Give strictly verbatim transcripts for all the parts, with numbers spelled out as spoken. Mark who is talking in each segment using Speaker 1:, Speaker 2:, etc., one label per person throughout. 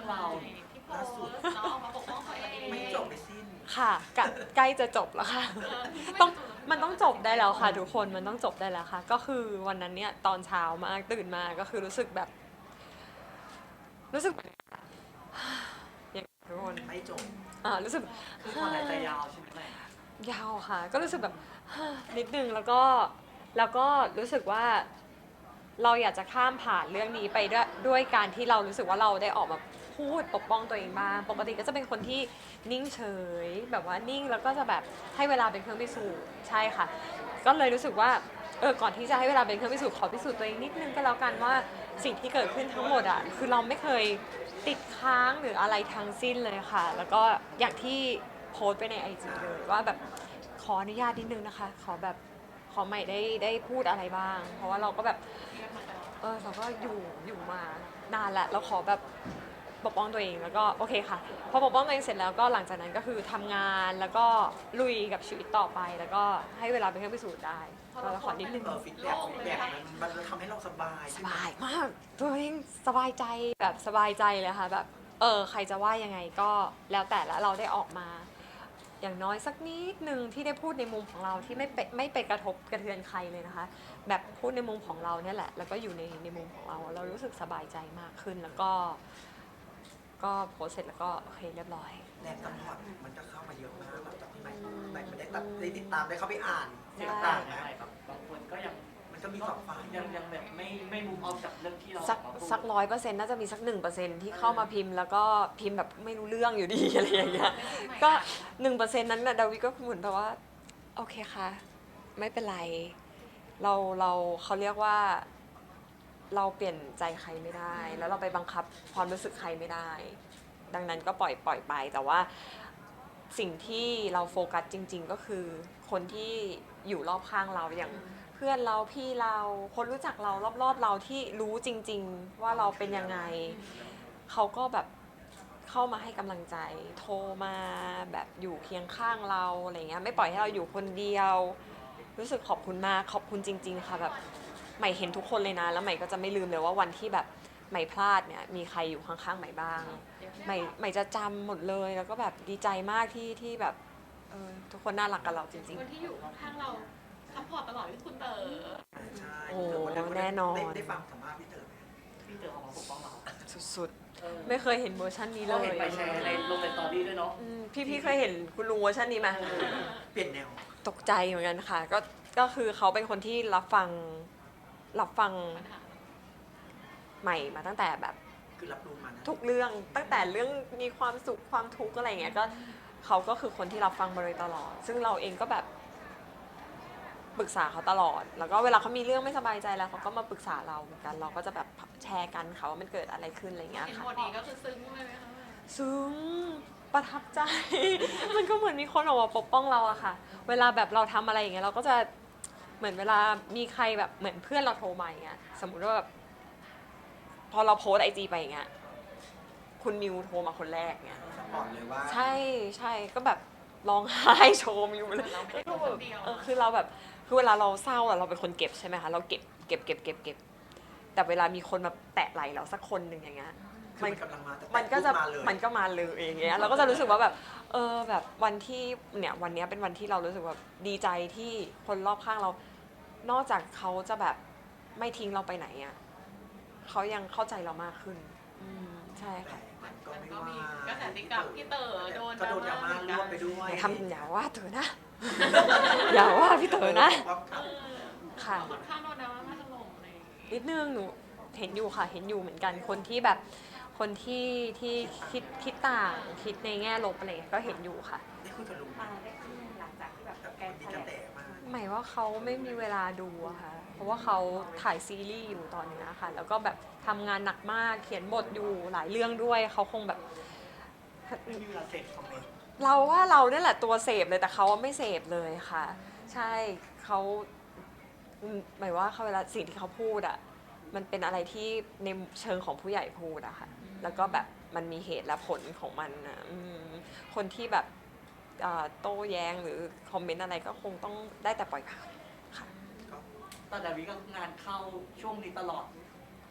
Speaker 1: เราที่โพสต์เนาะมาปกป้องตัวเอง
Speaker 2: ไม่จบไม่สิ้น
Speaker 3: ค่ะใกล้จะจบแล้วค่ะต้องมันต้องจบได้แล้วค่ะทุกคนมันต้องจบได้แล้วค่ะก็คือวันนั้นเนี่ยตอนเช้ามากตื่นมาก็คือรู้สึกแบบรู้สึกอย่างทุกคน
Speaker 2: ไม่จบ
Speaker 3: อ่ารู้สึก
Speaker 1: คือคนหายใจยาวใช่ไหม
Speaker 3: ยาวค่ะก็รู้สึกแบบนิดนึงแล้วก็แล้วก็รู้สึกว่าเราอยากจะข้ามผ่านเรื่องนี้ไปด้วยด้วยการที่เรารู้สึกว่าเราได้ออกมาพูดปกป้องตัวเองบ้างปกติก็จะเป็นคนที่นิ่งเฉยแบบว่านิ่งแล้วก็จะแบบให้เวลาเป็นเครื่องพิสูจน์ใช่ค่ะก็เลยรู้สึกว่าเออก่อนที่จะให้เวลาเป็นเครื่องพิสูจน์ขอพิสูจน์ตัวเองนิดนึงก็แล้วกันว่าสิ่งที่เกิดขึ้นทั้งหมดอ่ะคือเราไม่เคยติดค้างหรืออะไรทั้งสิ้นเลยค่ะแล้วก็อย่างที่โพสต์ไปในไอจีเลยว่าแบบขออนุญาตนิดนึงนะคะขอแบบขอใหม่ได้ได้พูดอะไรบ้างเพราะว่าเราก็แบบเออเราก็อยู่อยู่มานานแล้วเราขอแบบปกป้องตัวเองแล้วก็โอเคค่ะพอปกป้องตัวเองเสร็จแล้วก็หลังจากนั้นก็คือทำงานแล้วก็ลุยกับชีวิตต่อไปแล้วก็ให้เวลาเป็นเครื่องพิสูจน์ได้ก็ขอนิดนึง
Speaker 2: เออฟีดแบ็กฟีดแบ็กมันมันทำให้เราสบาย
Speaker 3: สบายมากตัวเองสบายใจแบบสบายใจเลยค่ะแบบเออใครจะว่ายังไงก็แล้วแต่ละเราได้ออกมาอย่างน้อยสักนิดนึงที่ได้พูดในมุมของเราที่ไม่ไปไม่ไปกระทบกระเทือนใครเลยนะคะแบบพูดในมุมของเราเนี่ยแหละแล้วก็อยู่ในในมุมของเราเรารู้สึกสบายใจมากขึ้นแล้วก็ก็โพสเสร็จแล้วก็โอเคเรียบร้อย
Speaker 2: แรงซัพพอร์ตมันก็เข้ามาเยอะมากหลังจากที่ใหม่ใหม่ไม่ได้ตัดได้ติดตามได้เข้าไปอ่านเสียงต่างนะ
Speaker 1: แบบบางคนก็ยัง
Speaker 2: มันก็มีฝักฝ่าย
Speaker 1: ยังยังแบบไม่ไม่มุมออกจากเรื่องที่เรา
Speaker 3: สักสักร้อยเปอร์เซ็นต์น่าจะมีสักหนึ่งเปอร์เซ็นต์ที่เข้ามาพิมพ์แล้วก็พิมพ์แบบไม่รู้เรื่องอยู่ดีอะไรอย่างเงี้ยก็หนึ่งเปอร์เซ็นต์นั้นนะดาวิก็เหมือนแบบว่าโอเคค่ะไม่เป็นไรเราเราเขาเรียกว่าเราเปลี่ยนใจใครไม่ได้แล้วเราไปบังคับความรู้สึกใครไม่ได้ดังนั้นก็ปล่อยปล่อยไปแต่ว่าสิ่งที่เราโฟกัสจริงๆก็คือคนที่อยู่รอบข้างเราอย่างเพื่อนเราพี่เราคนรู้จักเรารอบๆเราที่รู้จริงๆว่าเราเป็นยังไงเขาก็แบบเข้ามาให้กำลังใจโทรมาแบบอยู่เคียงข้างเราอะไรเงี้ยไม่ปล่อยให้เราอยู่คนเดียวรู้สึกขอบคุณมากขอบคุณจริงๆค่ะแบบใหม่เห็นทุกคนเลยนะแล้วใหม่ก็จะไม่ลืมเลยว่าวันที่แบบใหม่พลาดเนี่ยมีใครอยู่ข้างๆใหม่บ้างใหม่ใหม่จะจำหมดเลยแล้วก็แบบดีใจมากที่ที่แบบเออทุกคนน่ารักกับเราจริงๆ
Speaker 1: คนที่อยู่ข้างเราซัพพอร์ตตลอดที่คุณเต๋อ
Speaker 2: ใช่
Speaker 3: โอ้แน่นอน
Speaker 2: ได้ฟังสัมภาษณ์พี่เต๋อ
Speaker 1: พี่เต๋อออกมาปกป้องเรา
Speaker 3: สุดๆไม่เคยเห็นเวอร์ชันนี้เลย
Speaker 1: ไปแชร์ในลงในสตอรี่ด้วยเนาะ
Speaker 3: พี่พี่เคยเห็นคุณลุงเวอร์ชันนี้ไหม
Speaker 2: เปลี่ยนแนว
Speaker 3: ตกใจเหมือนกันค่ะก็ก็คือเขาเป็นคนที่รับฟังรับฟังใหม่มาตั้งแต่แบบ
Speaker 2: คือรับรู้มัน
Speaker 3: ทุกเรื่องตั้งแต่เรื่องมีความสุขความทุกข์อะไรเงี้ยก็เขาก็คือคนที่รับฟังมาโดยตลอดซึ่งเราเองก็แบบปรึกษาเขาตลอดแล้วก็เวลาเขามีเรื่องไม่สบายใจแล้วเขาก็มาปรึกษาเราเหมือนกันเราก็จะแบบแชร์กันเขาว่ามันเกิดอะไรขึ้นอะไรเงี้ยค่ะ
Speaker 1: เห็นบทนี้ก็คือซึ้งเลยไหมคะ
Speaker 3: ซึ้งประทับใจ มันก็เหมือนมีคนออกมาปกป้องเราอะค่ะเวลาแบบเราทำอะไรอย่างเงี้ยเราก็จะเหมือนเวลามีใครแบบเหมือนเพื่อนเราโทรมาอย่างเงี้ยสมมุติว่าแบบพอเราโพสไอจีไปอย่างเงี้ยคุณมิวโทรมาคนแรกเงี้ย
Speaker 2: สปอร์ตเลยว่า
Speaker 3: ใช่ใช่ก็แบบร้องไห้โชว์มิวเลยเออคือเราแบบคือเวลาเราเศร้าอะเราเป็นคนเก็บใช่ไหมคะเราเก็บเก็บเก็บเก็บเก็บแต่เวลามีคนมาแตะไหล่เราสักคนหนึ่งอย่างเงี้ย
Speaker 2: มันกำลังมา
Speaker 3: มันก็จะมันก็มาเลยอย่างเงี้ยเราก็จะรู้สึกว่าแบบเออแบบวันที่เนี่ยวันนี้เป็นวันที่เรารู้สึกแบบดีใจที่คนรอบข้างเรานอกจากเขาจะแบบไม่ทิ้งเราไปไหนอ่ะเขายังเข้าใจเรามากขึ้นอืมใช่ค่ะ
Speaker 2: มันก็ไม่
Speaker 1: ก็มี
Speaker 2: ว่า
Speaker 1: ก็แต่ติ๊กกับพี่เต๋อโดน
Speaker 2: ก็โดนดราม่ารวมไปด้วย
Speaker 3: อย่าทำอย่าว่าเธอนะอย่าว่าพี่เต๋อนะค่ะ
Speaker 1: ค่อนข้างโดนดราม่ามาถล่มอะไรอย่างงี้
Speaker 3: นิดนึงหนูเห็นอยู่ค่ะเห็นอยู่เหมือนกันคนที่แบบคนที่ที่คิดคิดต่างคิดในแง่ลบอะไรก็เห็นอยู่ค่ะ
Speaker 2: ได้คุยกับลุง
Speaker 1: ได้ขึ้นหลังจากที่แบบแก
Speaker 2: มีกระแตมาก
Speaker 3: หมายว่าเขาไม่มีเวลาดูอะค่ะเพราะว่าเขาถ่ายซีรีส์อยู่ตอนนี้ค่ะแล้วก็แบบทำงานหนักมากเขียนบทอยู่หลายเรื่องด้วยเขาคงแบบ
Speaker 2: ไม่มีเวลาเสพคอมเมนต์
Speaker 3: เราว่าเราเนี่ยแหละตัวเสพเลยแต่เขาไม่เสพเลยค่ะใช่เขาหมายว่าเขาเวลาสิ่งที่เขาพูดอะมันเป็นอะไรที่ในเชิงของผู้ใหญ่พูดอะค่ะแล้วก็แบบมันมีเหตุและผลของมันนะคนที่แบบโต้แย้งหรือคอมเมนต์อะไรก็คงต้องได้แต่ปล่อยผ่านค่ะ
Speaker 1: ตอนดาวิก็งานเข้าช่วงนี้ตลอด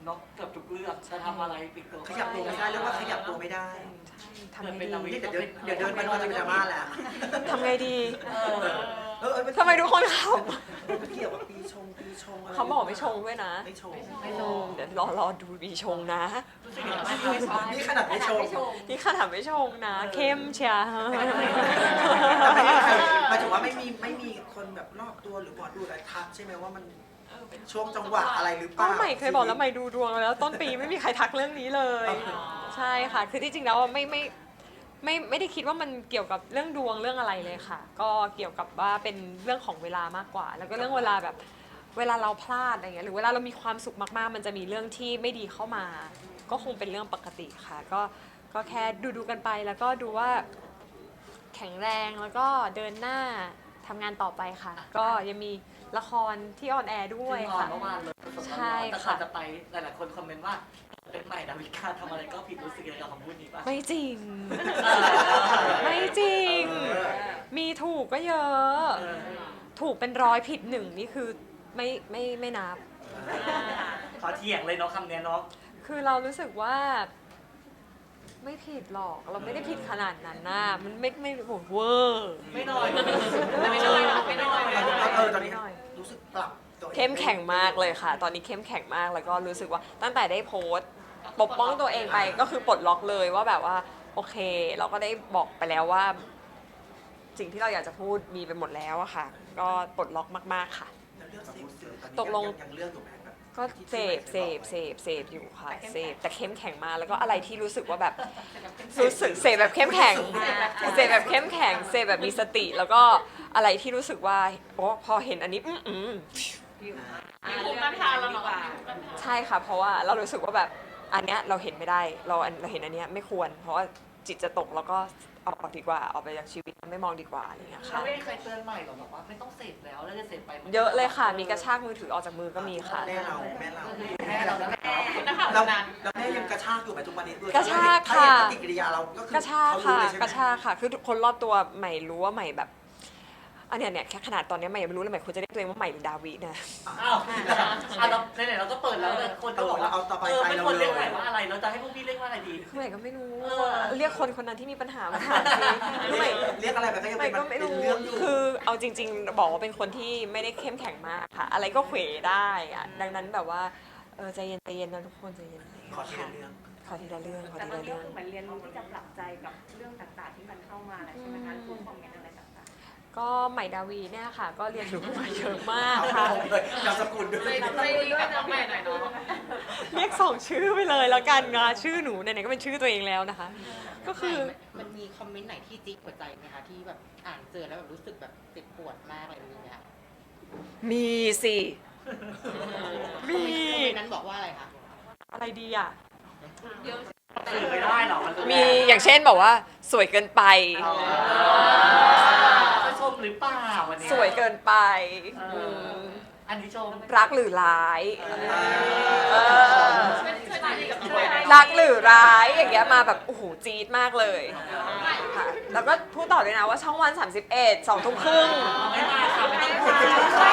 Speaker 4: เนาะเกือบทุกเรื่องจะทำอะไรปิดตัว
Speaker 2: ขยับตัวไม่ได้เรียกว่าขยับตัวไม่ได้
Speaker 3: ทำไงดี
Speaker 2: นี่เดี๋ยวเดินเดี๋ยวเดินไปนอนจะเป็นดราม่าแล้ว
Speaker 3: ทำไงดี
Speaker 4: เออ
Speaker 2: เออเออ
Speaker 3: ทำไมทุกคนข
Speaker 2: ไม่เกี่ยวกับปีชงปีชงอะไร
Speaker 3: ำเขาบอกไม่ชงด้วยนะ
Speaker 2: ไม่ชง
Speaker 4: ไม่ชง
Speaker 3: เดี๋ยวรอรอดูปีชงนะ
Speaker 4: รู้สึกยังไงบ้างครับ
Speaker 2: นี่ขนาดไม่ชง
Speaker 3: นี่ขนาดไม่ชงนะ เข้มเชียร์
Speaker 2: แต่ไม่มีใครหมายถึงว่าไม่มีไม่มีคนแบบรอบตัวหรือหมอดูอะไรทักใช่ไหมว่ามันช่วงจังหวะอะไรหรือเป
Speaker 3: ก็
Speaker 2: ล่า
Speaker 3: ใหม่เคยบอกแล้วใหม่ดูดวงแล้ว ต้นปีไม่มีใครทักเรื่องนี้เลย ใช่ค่ะ คือที่จริงแล้วไม่ไม่ไม่ไม่ได้คิดว่ามันเกี่ยวกับเรื่องดวงเรื่องอะไรเลยค่ะ ก็เกี่ยวกับว่าเป็นเรื่องของเวลามากกว่า แล้วก็เรื่องเวลาแบบเวลาเราพลาดอะไรเงี้ยหรือเวลาเรามีความสุขมากๆ มันจะมีเรื่องที่ไม่ดีเข้ามา ก็คงเป็นเรื่องปกติค่ะ ก็ก็แค่ดูดูกันไปแล้วก็ดูว่าแข็งแรงแล้วก็เดินหน้าทำงานต่อไปค่ะ ก็ยังมีละครที่ออนแอร์ด้วย
Speaker 4: ซึ่งก่อน
Speaker 3: ค่ะ
Speaker 4: เมื่อวานเลยสดๆ
Speaker 3: ใช่
Speaker 4: ร้อนๆแต่
Speaker 3: ค่ะ
Speaker 4: ก่อนจะไปหลายๆคนคอมเมนต์ว่าเป็นใหม่ดาวิกาทำอะไรก็ผิดรู้สึกยังไงกับคำพูดนี้ป่ะ
Speaker 3: ไม่จริง
Speaker 4: เออ
Speaker 3: ไม่จริง มีถูกก็เยอะ
Speaker 4: เออ
Speaker 3: ถูกเป็นร้อยผิดหนึ่งนี่คือไม่ไม่ไม่นับ
Speaker 4: ขอเถียงเลยเนาะคำเนี้ยเนาะ
Speaker 3: คือเรารู้สึกว่า ไม่ผิดหรอก เราไม่ได้ผิดขนาดนั้นนะมันไม่ไม่โหเวอร์
Speaker 4: ไม่น้อย
Speaker 1: ไม่น้อยไม่น้อย
Speaker 2: เออตอนนี้รู้สึกปรับตัวอง
Speaker 3: เข้มแข็งมากเลยค่ะ ตอนนี้เข้มแข็งมากแล้วก็รู้สึกว่าตั้งแต่ได้โพสต์ปกป้องตัวเองไปก็คือปลดล็อกเลยว่าแบบว่า โอเค เราก็ได้บอกไปแล้วว่า สิ่งที่เราอยากจะพูดมีไปหมดแล้วอะค่ะ ก็ปลดล็อกมากๆค่ะ
Speaker 2: แล้วเรื่องเสพสื่อตอนนี้
Speaker 3: ตกลง
Speaker 2: ยังเรื่องอยู่ไหมแบบ
Speaker 3: ก็เสพเสพเสพเสพอยู่ค่ะเสพแต่เข้มแข็งมากแล้วก็อะไรที่รู้สึกว่าแบบรู้สึกเสพแบบเข้มแข็งเสพแบบเข้มแข็งเสพแบบมีสติ แล้วก็อะไรที่รู้สึกว่าโอ้พอเห็นอันนี้อืมอืม
Speaker 1: มีภูมิต้านทานแล้วเนาะ
Speaker 3: ใช่ค่ะ เพราะว่าเรารู้สึกว่าแบบอันเนี้ยเราเห็นไม่ได้เราอันเราเห็นอันเนี้ยไม่ควร เพราะว่าจิตจะตกแล้วก็เอาออกดีกว่าออกไปจากชีวิตไม่มองดีกว่าอะไรอย่างเงี้ย
Speaker 4: เขา
Speaker 3: ค่ะ
Speaker 4: ไม่เคยเตือนใหม่หรอกบอกว่าไม่ต้องเสพแล้วแล้วจะเสพไปมัน
Speaker 3: เยอะเลยค่ะ มีกระชากมือถือออกจากมือก็มีค่ะ
Speaker 2: แม่เราแม่เรา
Speaker 4: แม่เราแล้วแหละ
Speaker 1: คุณนักข่าว
Speaker 2: แล้ว
Speaker 1: นั้น
Speaker 2: แล้วแม่ยังกระชากอยู่ไหมทุกวันนี้ด้วย
Speaker 3: กระชาก
Speaker 2: ถ้าเห็น
Speaker 3: ค่ะ
Speaker 2: ปฏิกิริยาเราก็คือก
Speaker 3: ระชาก
Speaker 2: เขารู้
Speaker 3: ค่ะ
Speaker 2: เลยใช่ไหม
Speaker 3: กระชากค่ะ คือทุกคนรอบตัวใหม่รู้ว่าใหม่แบบ อันเนี้ยเนี่ยแค่ขนาดตอนเนี้ยใหม่ยังไม่รู้เลยใหม่ควรจะเรียกตัวเองว่าใหม่หรือดาวินะ
Speaker 4: อ้าวอ่ะเราไหนๆเราก็เปิดแล้วเลยคนก็บอกว่า
Speaker 2: เอาต่อไป
Speaker 4: เออ
Speaker 2: ใจ
Speaker 4: ไม่
Speaker 2: เรา
Speaker 4: ควร
Speaker 2: เล
Speaker 4: เรียก
Speaker 2: ย
Speaker 4: ใหม่ว่าอะไรเราจะให้พวกพี่เรียกว่าอะไรดี
Speaker 3: คือใหม่ก็ไม่รู้
Speaker 4: เออ
Speaker 3: เรียกคนคนนั้นที่มีปัญหามาถามสิคือใหม่
Speaker 2: เรียกอะไรไปก็ยัง
Speaker 3: ใหม่
Speaker 2: เป็น
Speaker 3: ก็ไม่
Speaker 2: เป็น
Speaker 3: รู้
Speaker 2: เรื่องอยู่
Speaker 3: คือเอาจริง ๆ บอกว่าเป็นคนที่ไม่ได้เข้มแข็งมากค่ะ อะไรก็เขวได้อะดังนั้นแบบว่าเออใจเย็นใจเย็นนะทุกคนใจเย็น
Speaker 2: ขอทีละเรื่อง
Speaker 3: ขอทีละเรื่องขอ
Speaker 5: แต่
Speaker 3: ที
Speaker 5: ตอน
Speaker 3: ละ
Speaker 5: นี้
Speaker 3: เรื่อง
Speaker 5: ก็คือเหมือนเรียนรู้ที่จะปรับใจกับเรื่องต่างๆที่มันเข้ามาแล้วใช่ไหมคะพวกคอมเมนต์อะไรต่าง
Speaker 3: ก็ใหม่ดาวีเนี่ยค่ะ ก็เรียนรู้มาเยอะมากค่ะ
Speaker 2: เอาเลยนามสกุลด้วย
Speaker 1: ใจใจดีกับน้องใหม่หน่อยเนาะ
Speaker 3: เรียกสองชื่อไปเลยแล้วกันงาชื่อหนูไหนๆก็เป็นชื่อตัวเองแล้วนะคะ ก็คือ
Speaker 6: มันมีคอมเมนต์ไหนที่จิ๊กหัวใจไหมคะที่แบบอ่านเจอแล้วแบบรู้สึกแบบเจ็บปวดมากอะไรอย่างเงี้ย
Speaker 3: มีสิ
Speaker 6: ค
Speaker 3: มี
Speaker 6: อมเมนต์คอมเมนต์นั้นบอกว่าอะไรคะ
Speaker 3: อะไรดีอ่ะ
Speaker 1: เยอะ
Speaker 4: สื่อไม่ได้หรอกมัน
Speaker 3: มีอย่างเช่นบอกว่าสวยเกินไป
Speaker 4: จะชมหรือเปล่าวันนี้
Speaker 3: สวยเกินไป
Speaker 4: เออ
Speaker 3: ม
Speaker 4: อันนี้ชม
Speaker 3: รักหรือร้ายเออ
Speaker 1: ช่วยช่วยใจดีกับน้องใหม่หน่อย
Speaker 3: รักหรือร้ายอย่างเงี้ยมาแบบโอ้โหจี๊ดมากเลยค่ะแล้วก็พูดต่อด้วยนะว่าช่องวันสามสิบเอ็ดสองทุ่มครึ่ง
Speaker 4: ไม่มาค่ะไม่ต้องพูด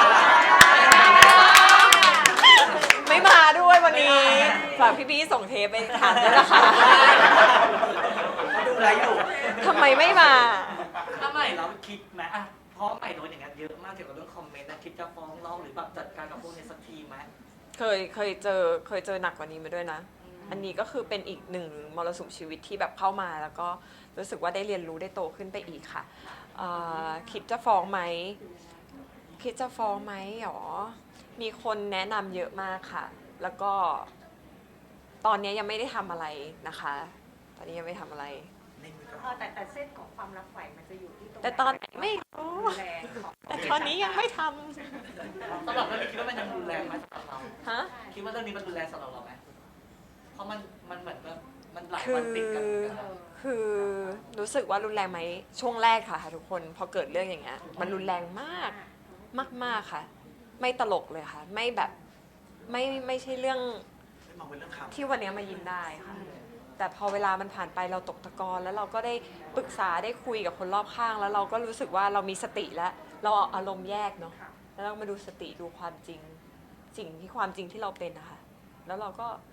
Speaker 3: ไม่มาด้วยวันนี้ฝากพี่ๆส่งเทปไปถามด้วยนะคะ
Speaker 2: เขาดูอะไรอยู่
Speaker 3: ทำไมไม่มา
Speaker 4: ถ้าใหม่เราคิดไหมอ่ะเพราะใหม่โดนอย่างนั้นเยอะมากเกี่ยวกับเรื่องคอมเมนต์นะคิดจะฟ้องร้องหรือแบบจัดการกับพวกนี้สักทีไหม
Speaker 3: เคยเคยเจอเคยเจอหนักกว่านี้มาด้วยนะ อันนี้ก็คือเป็นอีกหนึ่งมรสุมชีวิตที่แบบเข้ามาแล้วก็รู้สึกว่าได้เรียนรู้ได้โตขึ้นไปอีกค่ะเอ่อคิดจะฟ้องไหมคิดจะฟ้องไหมหรอมีคนแนะนำเยอะมากค่ะ แล้วก็ ตอนนี้ยังไม่ได้ทำอะไรนะคะ ตอนนี้ยังไม่ทำอะไร
Speaker 2: ในมือ
Speaker 5: ๆเออแต่แต่เส้นของความรักใหม่มันจะอยู่ที่ตรง
Speaker 3: แต่ตอนไหนไม่รู้
Speaker 5: แรงของ
Speaker 3: แต่ตอนนี้ยังไม่ท
Speaker 4: สำหรับเรื่องนี้คิดว่ามันยังรุนแรงไหมสำหรับเรา
Speaker 3: ำฮะ
Speaker 4: คิดว่าเรื่องนี้มันรุนแรงสำหรับเราไหมเพราะมันมันเหมือนแบบมันหลาย
Speaker 3: คื
Speaker 4: วัน
Speaker 3: อ
Speaker 4: ติดกันเหมือนกันนะ
Speaker 3: คือรู้สึกว่ารุนแรงไหมช่วงแรกค่ะทุกคนพอเกิดเรื่องอย่างเงี้ยมันรุนแรงมากมากๆค่ะ ไม่ตลกเลยค่ะ ไม่แบบไม่ไม่ใช่เรื่อง
Speaker 2: ไม่มองเป็นเรื่องข่าว
Speaker 3: ที่วันนี้มายินได้ค่ะ แต่พอเวลามันผ่านไปเราตกตะกอนแล้วเราก็ได้ปรึกษาได้คุยกับคนรอบข้าง แล้วเราก็รู้สึกว่าเรามีสติแล้ว เราเอาอารมณ์แยกเนาะ แล้วเรามาดูสติดูความจริง สิ่งที่ความจริงที่เราเป็นนะคะแล้วเราก็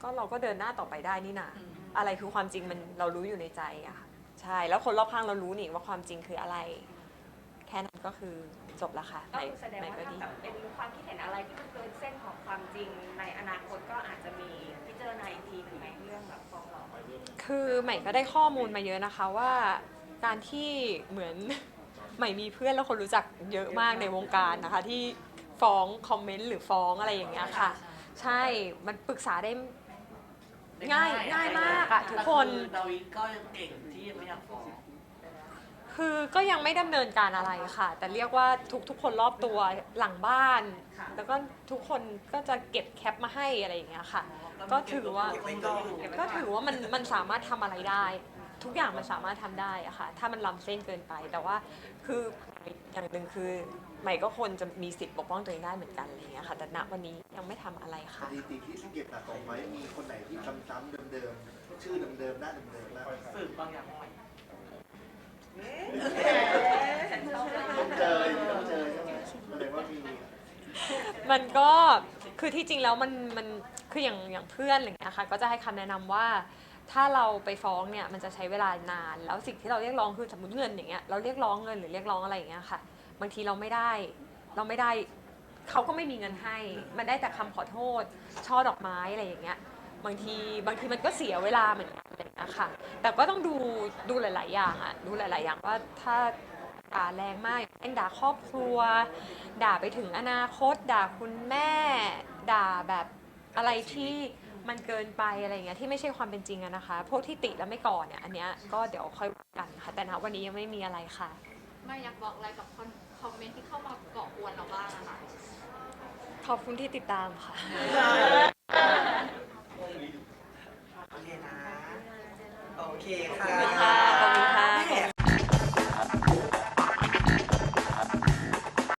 Speaker 3: ก็เราก็เดินหน้าต่อไปได้นี่นะอะไรคือความจริงมันเรารู้อยู่ในใจอะค่ะใช่แล้วคนรอบข้างเรารู้นี่ว่าความจริงคืออะไร แค่นั้นก็คือจบละค่ะ
Speaker 5: ก็คือแสดง
Speaker 3: ไหน
Speaker 5: ว่า
Speaker 3: ก็
Speaker 5: ถ้า
Speaker 3: ดี
Speaker 5: แบบเป็นความคิดเห็นอะไรที่มันเกินเส้นของความจริงในอนาคตก็อาจจะมีพิจารณาอีกทีหนึ่งไหมเรื่องแบบฟ้องร้อง
Speaker 3: คือใหม่ก็ได้ข้อมูลมาเยอะนะคะว่าการที่เหมือน ใหม่มีเพื่อนแล้วคนรู้จักเยอะมากในวงการนะคะ ที่ฟ้องคอมเมนต์หรือฟ้องอะไรอย่างเงี้ยค่ะ ใช่มันปรึกษาได้ง่ายง่ายมากอะทุกคน
Speaker 4: แต่อดาวิก็ยังเก่งที่ยังไม่อยากฟ้อง
Speaker 3: คือก็ยังไม่ดำเนินการอะไรค่ะ แต่เรียกว่าทุกทุกคนรอบตัวหลังบ้าน แล้วก็ทุกคนก็จะเก็บแคปมาให้อะไรอย่างเงี้ยค่ะ ก็ถือว่า
Speaker 2: เก็บไว้ก่อน
Speaker 3: ก็ถือว่ามันมันสามารถทำอะไรได้ ทุกอย่างมันสามารถทำได้อะค่ะ ถ้ามันล้ำเส้นเกินไป แต่ว่าคืออย่างหนึ่งคือใหม่ก็ควรจะมีสิทธิ์ปกป้องตัวเองได้เหมือนกันอะไรอย่างเงี้ยค่ะ แต่ณวันนี้ยังไม่ทำอะไร
Speaker 7: ส
Speaker 3: ค่ะ
Speaker 7: ถิติที่เก็บสะสมไว้มีคนไหนที่ซ้ำๆเดิมๆชื่อเดิมๆหน้าเดิมๆแล้ว
Speaker 4: สืบบางอย่างใหม่
Speaker 7: ต้องเจอต้องเจอใช่ไหมแสดงว่ามี
Speaker 3: มันก็คือที่จริงแล้วมันมันคืออย่างอย่างเพื่อนอะไรอย่างเงี้ยค่ะก็จะให้คำแนะนำว่าถ้าเราไปฟ้องเนี่ยมันจะใช้เวลานาน แล้วสิ่งที่เราเรียกร้องคือสมมติเงินอย่างเงี้ยเราเรียกร้องเงินหรือเรียกร้องอะไรอย่างเงี้ยค่ะบางทีเราไม่ได้เราไม่ได้เขาก็ไม่มีเงินให้ มันได้แต่คำขอโทษช่อดอกไม้อะไรอย่างเงี้ยบางทีบางทีมันก็เสียเวลาเหมือนกันอะไรอย่างเงี้ยค่ะแต่ก็ต้องดูดูหลาย ๆ อย่างอะดูหลาย ๆ อย่างว่าถ้าด่าแรงมากเช่นด่าครอบครัว ด่าไปถึงอนาคต ด่าคุณแม่ ด่าแบบอะไรที่มันเกินไปอะไรอย่างเงี้ยที่ไม่ใช่ความเป็นจริงอะนะคะ พวกที่ติแล้วไม่ก่อนเนี่ยอันเนี้ยก็เดี๋ยวค่อยว่ากันค่ะ แต่ณวันนี้ยังไม่มีอะไรค่ะ
Speaker 1: ไม่อยากบอกอะไรกับคอมเมนต์ที่เข้ามาเกาะกวนเราบ้างนะคะ
Speaker 3: ขอบคุณที่ติดตามค่ะ
Speaker 2: โอเคนะ โอเคค่ะ